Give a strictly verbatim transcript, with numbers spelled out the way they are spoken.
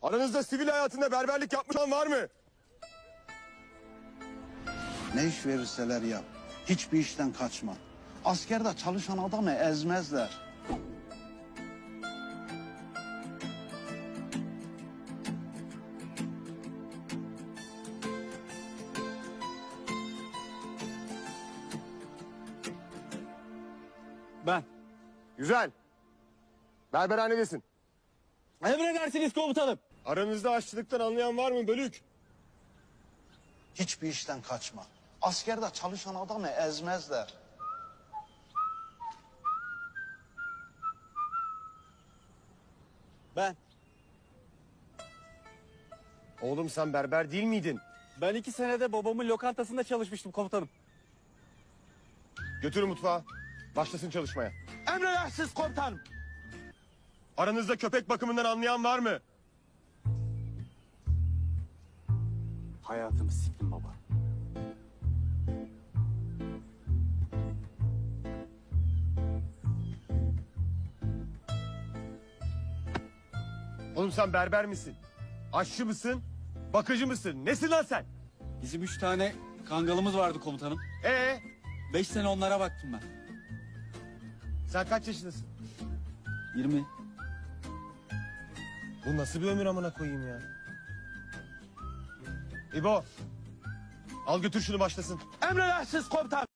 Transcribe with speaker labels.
Speaker 1: Aranızda sivil hayatında berberlik yapmış olan var mı?
Speaker 2: Ne iş verirseler yap. Hiçbir işten kaçma. Askerde çalışan adamı ezmezler.
Speaker 3: Ben.
Speaker 1: Güzel. Berberhanedesin.
Speaker 3: Emredersiniz komutanım.
Speaker 1: Aranızda aşçılıktan anlayan var mı bölük?
Speaker 2: Hiçbir işten kaçma. Askerde çalışan adamı ezmezler.
Speaker 3: Ben.
Speaker 1: Oğlum sen berber değil miydin?
Speaker 3: Ben iki senede babamın lokantasında çalışmıştım komutanım.
Speaker 1: Götürün mutfağa. Başlasın çalışmaya.
Speaker 3: Emredersiniz komutanım.
Speaker 1: Aranızda köpek bakımından anlayan var mı?
Speaker 3: Hayatımı siktim baba.
Speaker 1: Oğlum sen berber misin? Aşçı mısın? Bakıcı mısın? Nesin lan sen?
Speaker 3: Bizim üç tane kangalımız vardı komutanım.
Speaker 1: Ee,
Speaker 3: Beş sene onlara baktım ben.
Speaker 1: sen kaç yaşındasın?
Speaker 3: Yirmi.
Speaker 1: Bu nasıl bir ömür amına koyayım ya? İbo, al götür şunu başlasın.
Speaker 3: Emredersiniz komutanım.